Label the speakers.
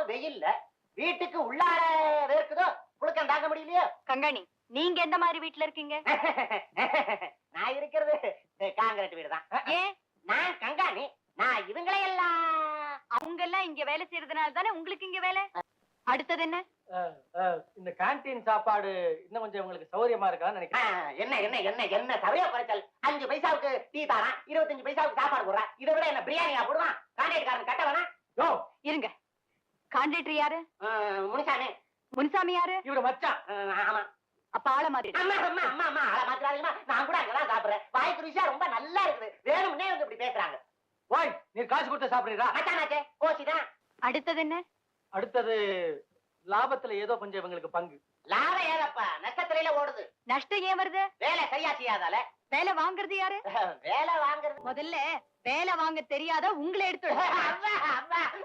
Speaker 1: பாவம் வெயில்ல வீட்டுக்கு உள்ளார வேர்க்குதோ, புழுக்கம் தாங்க முடியலையோ.
Speaker 2: கங்காணி, நீங்க எந்த மாதிரி வீட்டுல இருக்கீங்க?
Speaker 1: நான் இருக்கிறது காங்கிரீட் வீடு தான்.
Speaker 2: ஏன்?
Speaker 1: நான் கங்காணி. நான் இவங்களையெல்லாம்
Speaker 2: அவங்க எல்லாம் இங்க வேலை செய்யறதுனால தானே உங்களுக்கு இங்க வேலை. அடுத்தது என்ன?
Speaker 3: இந்த கேண்டீன் சாப்பாடு இன்னும் கொஞ்சம் உங்களுக்கு சௌகரியமா இருக்கான்னு நினைக்கிறேன்.
Speaker 1: என்ன என்ன என்ன என்ன சபையா குறைச்சல். 5 பைசாவுக்கு டீ தாரான், 25 பைசாவுக்கு சாப்பாடு போடுறான். இதை விட என்ன பிரியாணியா போடுவான்? கான்ட்ராக்ட்காரன் கட்ட வேணா?
Speaker 3: யோ,
Speaker 2: இருங்க. கான்ட்ராக்டர் யாரு?
Speaker 1: முனிசாமி.
Speaker 2: முன்சாமி யாரு?
Speaker 3: இவரு மச்சான்.
Speaker 1: ஆமா.
Speaker 2: அப்ப ஆள மாதிரி.
Speaker 1: அம்மா அம்மா அம்மா அம்மா ஆள மாத்திராதீங்கம்மா. நான் கூட அங்கதான் சாப்பிடுறேன். வாய்க்கு ருசியா ரொம்ப நல்லா இருக்குது. வேணும்னே வந்து இப்படி பேசுறாங்க.
Speaker 3: ஓய், நீ காசு கொடுத்து சாப்பிடுறா?
Speaker 1: மச்சானாச்சே கோச்சிதான்.
Speaker 2: அடுத்தது என்ன?
Speaker 3: அடுத்தது லாபத்துல ஏதோ கொஞ்சம் இவங்களுக்கு பங்கு.
Speaker 1: லாபம் ஏதப்பா, நட்சத்திரையில ஓடுது.
Speaker 2: நஷ்டம் ஏன் வருது?
Speaker 1: வேலை சரியா செய்யாதால.
Speaker 2: வேலை வாங்குறது யாரு?
Speaker 1: வேலை வாங்குறது
Speaker 2: முதல்ல வேலை வாங்க தெரியாத உங்களை எடுத்து
Speaker 1: அம்மா அம்மா